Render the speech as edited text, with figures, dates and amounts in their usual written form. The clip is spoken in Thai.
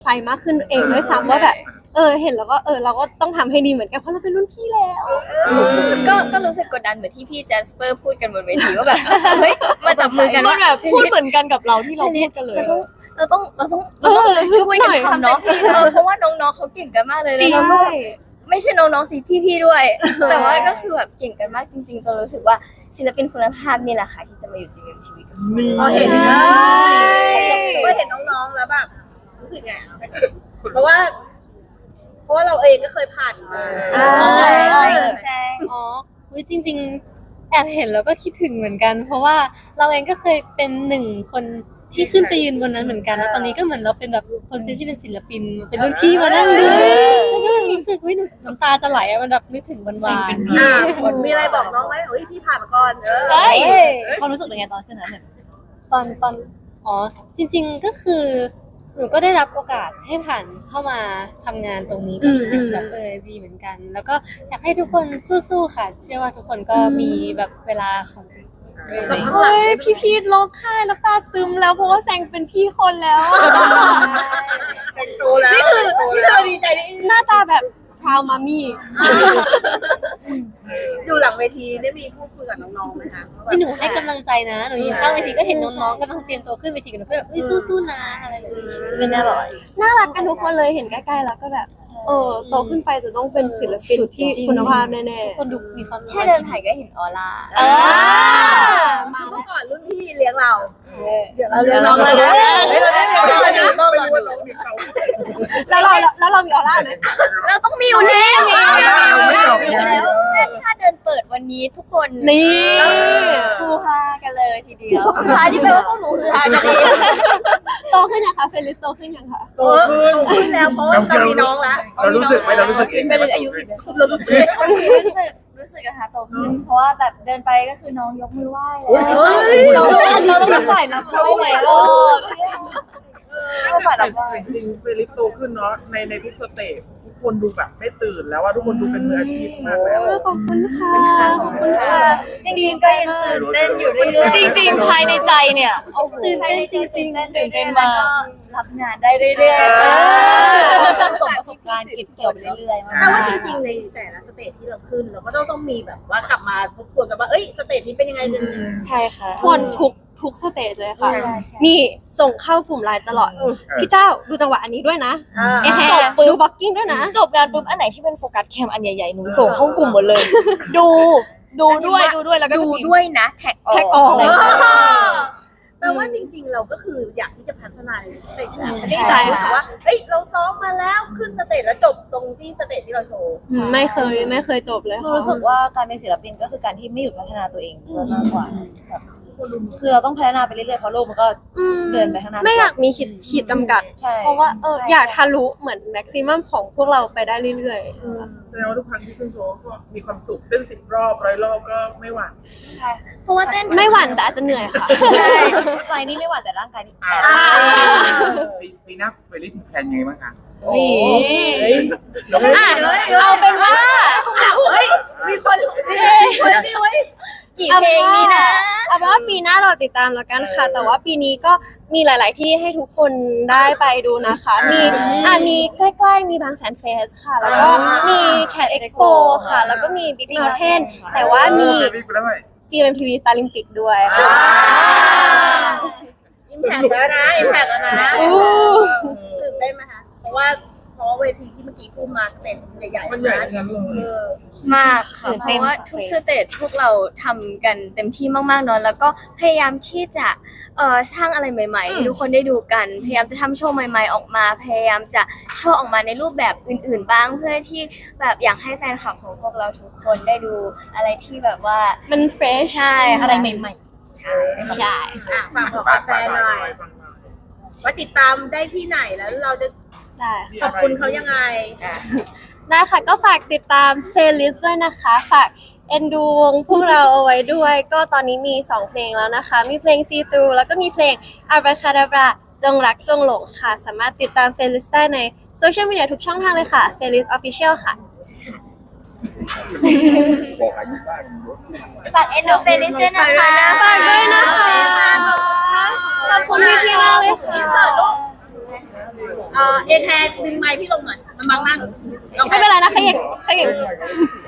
ไฟมากขึ้นเองด้วยซ้ำว่าแบบเห็นแล้วก็เราก็ต้องทำให้ดีเหมือนกันเพราะเราเป็นรุ่นพี่แล้วก็รู้สึกกดดันเหมือนที่พี่แจสเปอร์พูดกันบนเวทีว่าแบบเฮ้ยมาจับมือกันมันว่าแบบพูดเหมือนกันกับเราที่เราพูดกันเลยเราต้องช่วยกันทำเนาะเพราะว่าน้องๆเขาเก่งกันมากเลยแล้วก็ไม่ใช่น้องๆสิพี่ๆด้วย แต่ว่าก็คือแบบเก่งกันมากจริงๆตัวรู้สึกว่าศิลปินคุณภาพนี่แหละค่ะที่จะมาอยู่ GMMTV กับเราพอเห็นน้องๆแล้วแบบรู้สึกไงเพราะว่าเราเองก็เคยผ่านมาใช่อ๋อจริงๆแอบเห็นแล้วก็คิดถึงเหมือนกัน เพราะว่าเราเองก็เคยเป็นหนึ่งคนที่ขึ้นไปยืนบนนั้นเหมือนกันแล้วตอนนี้ก็เหมือนเราเป็นแบบคนที่เป็นศิลปินเป็นรุ่นพี่มานั่งดูแล้วก็รู้สึกว่าน้ำตาจะไหลมันแบบนึกถึงวันวานมีอะไรบอกน้องไหมเฮ้ยพี่ผ่านมาก่อนเฮ้ยความรู้สึกเป็นไงตอนขึ้นนั้นเนี่ยตอนอ๋อจริงๆก็คือหนูก็ได้รับโอกาสให้ผ่านเข้ามาทำงานตรงนี้ก็รู้สึกแบบดีเหมือนกัน แล้วก็อยากให้ทุกคนสู้ๆค่ะ เชื่อว่าทุกคนก็มีแบบเวลาของเฮ้ยพี่ร้องไห้แล้วตาซึมแล้วเพราะว่าแซงเป็นพี่คนแล้วเป็นโตแล้วนี่คือดีใจนี่หน้าตาแบบพราวมามี่อยู่หลังเวทีได้มีพูดคุยกับน้องๆไหมคะที่หนูให้กำลังใจนะหนูอยู่ข้างเวทีก็เห็นน้องๆก็ต้องเตรียมตัวขึ้นเวทีกันหนูก็แบบสู้ๆนะอะไรแบบนี้เป็นแน่บอกน่ารักกันทุกคนเลยเห็นใกล้ๆแล้วก็แบบโตขึ้นไปจะต้องเป็นศิลปินที่คุณภาพแน่ๆคนดูมีความแค่เดินผ่านก็เห็นออร่ามาเมื่อก่อนรุ่นพี่เลี้ยงเราเดี๋ยวเราเรียนน้องเลยนะต้องรอดูแล้วเรามีออร่าไหมเราต้องมีอยู่แล้วแล้วถ้าเดินเปิดวันนี้ทุกคนนี่ฮือฮากันเลยทีเดียวฮือฮาที่แปลว่าพวกหนูฮือฮากันเองโตขึ้นยังคะเฟลิสโตขึ้นยังคะโตขึ้นแล้วเพราะว่าตอนมีน้องแล้วเรารู้สึกเองเป็นอายุอีกรู้สึกนะคะโตขึ้นเพราะว่าแบบเดินไปก็คือน้องยกมือไหว้แล้วเราต้องเป็นฝ่ายนับด้วยไหมก็ฝ่ายนับด้วยจริงๆเฟลิปโตขึ้นเนาะในทุกสเตจทุกคนดูแบบไม่ตื่นแล้วว่าทุกคนดูเป็นมืออาชีพมากแล้วขอบคุณค่ะจริงๆก็ยังตื่นเต้นอยู่เรื่อยๆจริงๆภายในใจเนี่ยโอ้โหตื่นเต้นจริงๆตื่นเต้นแล้วมากก็รับงานได้เรื่อยๆค่ะประสบการณ์เก็บเกี่ยวไปเรื่อยๆแต่ว่าจริงๆในแต่ละสเตจที่เราขึ้นเราก็ต้องมีแบบว่ากลับมาทบทวนกันว่าเอ้ยสเตจนี้เป็นยังไงใช่ค่ะทวนทุกสเตจเลยค่ะ นี่ส่งเข้ากลุ่มไลน์ตลอด พี่เจ้าดูจังหวะอันนี้ด้วยนะจบดูบล็อกกิ้งด้วยนะจบงานปุ๊บอันไหนที่เป็นโฟกัสแคมอันใหญ่ๆหนูส่งเข้ากลุ่มหมดเลย ดูด้วยแล้วก็ดูด้วยนะแท็กออกออกแปลว่าจริงๆเราก็คืออยากที่จะพัฒนาในสเตจแล้วใช่รู้สึค่ะกว่าเฮ้ยเราซ้อมมาแล้วขึ้นสเตจแล้วจบตรงที่สเตจที่เราโชว์ไม่เคยจบเลยหนูรู้สึกว่าการเป็นศิลปินก็คือการที่ไม่หยุดพัฒนาตัวเองมากกว่าแบบคือเราต้องพัฒนาไปเรื่อยๆเพราะโลกมันก็เดินไปข้างหน้าไม่อยากมีขีดจำกัดใช่เพราะว่าอยากทะลุเหมือนแม็กซิมัมของพวกเราไปได้เรื่อยแสดงว่าทุกครั้งที่ขึ้นโชว์ก็มีความสุขเต้น10 รอบ100 รอบก็ไม่หวั่นเพราะว่าเต้นๆ ไม่หวั่นแต่อาจจะเหนื่อยค่ะใจนี่ไม่หวั่นแต่ร่างกายนี่แอบปีหน้าเฟลิปแพลนยังไงบ้างคะเอาเป็นว่ามีคนนี่ไว้กี่เพลงนี้นะเอาเป็นว่าปีหน้าเราติดตามแล้วกันค่ะ แต่ว่าปีนี้ก็มีหลาย ๆ ที่ให้ทุกคนได้ไปดูนะคะ มีใกล้ๆมีบางแสนเฟสค่ะ แล้วก็มี Cat Expo ค่ะ แล้วก็มี Big Mountain แต่ว่ามี GMMTV Starlympic ด้วยค่ะอิมแพกแล้วนะตื่นได้นไหมคะเพราะว่าเวทีที่เมื่อกี้พูดมาสเตจใหญ่ๆมันใหญ่ทั้งนั้นเลยมากค่ะเพราะว่าทุกสเตจพวกเราทำกันเต็มที่มากๆเนอะแล้วก็พยายามที่จะสร้างอะไรใหม่ๆให้ทุกคนได้ดูกันพยายามจะทำโชว์ใหม่ๆออกมาพยายามจะโชว์ออกมาในรูปแบบอื่นๆบ้างเพื่อที่แบบอยากให้แฟนคลับของพวกเราทุกคนได้ดูอะไรที่แบบว่ามันเฟรชใช่อะไรใหม่ใช่ๆใช่ฝากบอกแฟนหน่อยว่าติดตามได้ที่ไหนแล้วเราจะได้ขอบคุณเขายังไงได้ค่ะก็ฝากติดตามเฟลิสด้วยนะคะ ฝากเอ็นดูวงพวกเราเอาไว้ด้วย ก็ตอนนี้มี2เพลงแล้วนะคะ มีเพลง See Through แล้วก็มีเพลง Abracadabra จงรักจงหลงค่ะ สามารถติดตามเฟลิสได้ในโซเชียลมีเดียทุกช่องทางเลยค่ะ Felis Official ค่ะบอกอายุบ้างฝากเอ็นดูเฟลิสด้วยนะคะฝากด้วยนะคะ ขอบคุณพี่ๆมากเลยค่ะได้ค่ะเอแคร์ดึงไมค์พี่ลงหน่อยมันบังหน้าหนูไม่เป็นไรนะขยิบขยิบ